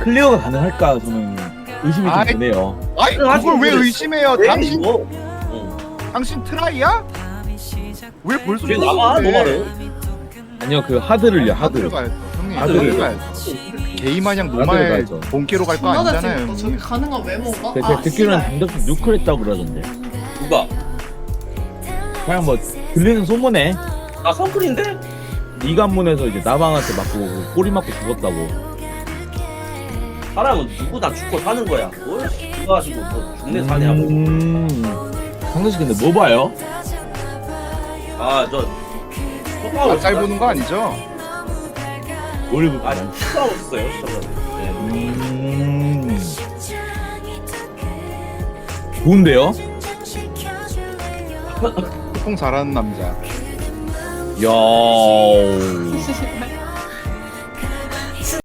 클리어가 가능할까 저는 의심이 좀 아이, 드네요. 아이 그걸 왜 의심해요? 왜 당신 이거? 당신 트라이야? 왜 벌써 쟤 나가 죽었는데? 노말은. 아니요 그 하드를요 하드. 하드를 가야죠 형님. 하드를 하드를 가야죠. 게이마냥 노말 가야죠. 본캐로 갈 거 존나 아니잖아요 잘생겼다. 저기 형님. 가능한 외모가? 제가 듣기로는 씨발. 단독 누클 했다고 그러던데. 누가? 그냥 뭐 들리는 소문에 나 선클인데? 이관문에서 이제 나방한테 맞고 꼬리 맞고 죽었다고. 사람은 누구나 죽고 사는 거야. 뭘 누가 가지고 뭐 죽네 사냐고. 상대씨 근데 뭐 봐요? 아저 짤 보는 거 아니죠? 뭘 아 봐요? 싸웠어요 저는. 좋은데요? 소통 잘하는 남자. 야.